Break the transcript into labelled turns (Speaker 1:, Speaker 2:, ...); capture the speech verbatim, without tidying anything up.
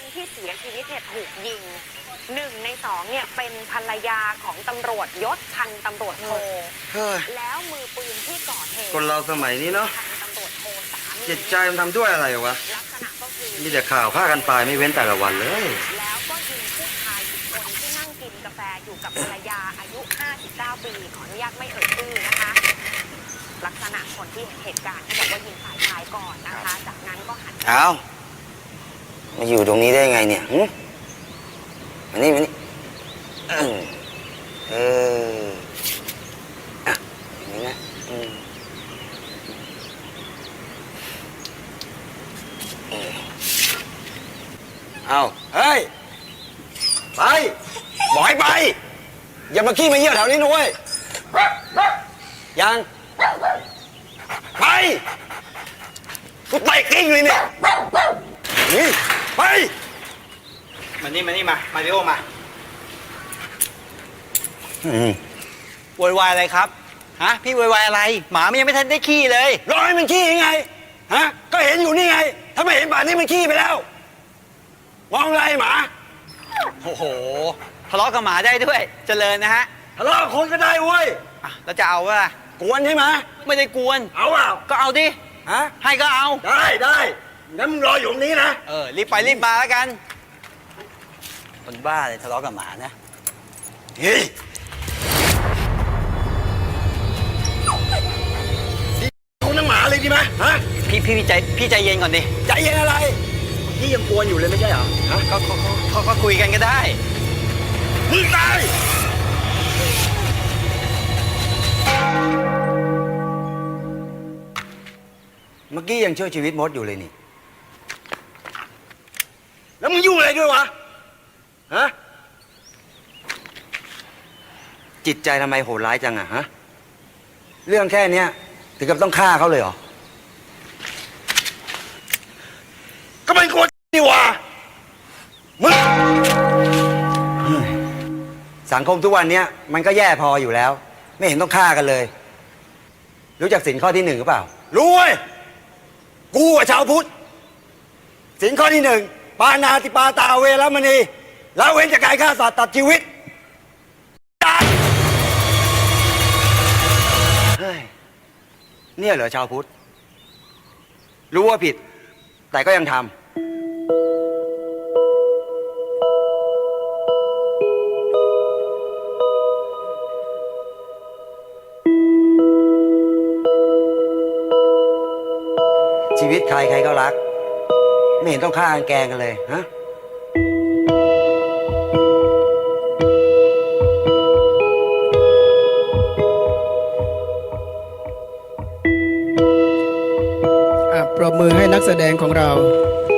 Speaker 1: คนที่เสียชีวิตเนี่ยถูกยิงหนึ่งในสองเนี่ยเป็นภรรยาของตำรวจยศพันตำรวจโทแล้วมือปืนที่ก่อเหตุ
Speaker 2: คนเราสมัยนี้เนาะ
Speaker 1: พันตำรวจโทสามี
Speaker 2: จิตใจมันทำด้วยอะไรวะ
Speaker 1: ลักษณะก็คือ
Speaker 2: มีแต่ข่าวฆ่ากันตายไม่เว้นแต่ละวันเลย
Speaker 1: แล้วก็ยิงผู้ชายอีกคนที่นั่งกินกาแฟอยู่กับภรรยาอายุห้าสิบเก้าปีขออนุญาตไม่เอ่ยชื่อนะคะลักษณะคนที่เห็นเหตุการณ์ที่บอกว่ายิงฝ่ายชายก่อนนะคะจากนั้นก็หัน
Speaker 2: เอามาอยู่ตรงนี้ได้ไงเนี่ยหึมานี่มานี่เออเอออ่ะอย่างนี้นะอืมเอาเฮ้ยไปบอกให้ไปอย่ามาขี้มาเยี่ยวแถวนี้นะเว้ยยังไปกูเตะกิ้งเลยเนี่ยนี่ไป
Speaker 3: มานี่มานี่มามาริโอมาโวยวายอะไรครับฮะพี่โวยวายอะไรหมามันยังไม่ทันได้ขี้เลย
Speaker 2: รอให้มันขี้ยังไงฮะก็เห็นอยู่นี่ไงถ้าไม่เห็นป่านนี้มันขี้ไปแล้วมองอะไรหมา
Speaker 3: โอ้โหทะเลาะกับหมาได้ด้วยเจริญนะฮะ
Speaker 2: ทะเลาะกับคนก็ได้เว้ย
Speaker 3: แล้วจะเอาวะ
Speaker 2: กวนใช่ไหม
Speaker 3: ไม่ได้กวน
Speaker 2: เอาเปล่า
Speaker 3: ก็เอาดิ
Speaker 2: ฮะ
Speaker 3: ให้ก็เอา
Speaker 2: ได้ได้งั้นมึงรออยู่ตรงนี้นะ
Speaker 3: เออรีบไปรีบมาแล้วกันคนบ้าเลยทะเลาะกับหมานะ
Speaker 2: เฮ้ยคุณน้ำหมาเลยดีไหมฮะ
Speaker 3: พี่พี่ใจพี่ใจเย็นก่อนดิ
Speaker 2: ใจเย็นอะไรพี่ยังกวนอยู่เลยไม่ใช่เหรอฮะ
Speaker 3: ก็เขาเขาก็คุยกันก็ได้
Speaker 2: มึงตายเมื่อกี้ยังช่วยชีวิตมดอยู่เลยนี่แล้วมึงยุ่งอะไรด้วยวะฮะจิตใจทำไมโหดร้ายจังอะฮะเรื่องแค่นี้ถึงกับต้องฆ่าเขาเลยเหรอก็เป็นคนนี่วะมึงสังคมทุกวันนี้มันก็แย่พออยู่แล้วไม่เห็นต้องฆ่ากันเลยรู้จักศีลข้อที่หนึ่งหรือเปล่ารู้เว้ยกูอะชาวพุทธศีลข้อที่หนึ่งปานาติปาตาเวรมณีละเว้นจากการฆ่าสัตว์ตัดชีวิตเฮ้ยเนี่ยเหรอชาวพุทธรู้ว่าผิดแต่ก็ยังทำชีวิตใครใครก็รักไม่เห็นต้องฆ่ากันแกงกันเลยฮะ
Speaker 4: ปรบมือให้นักแสดงของเรา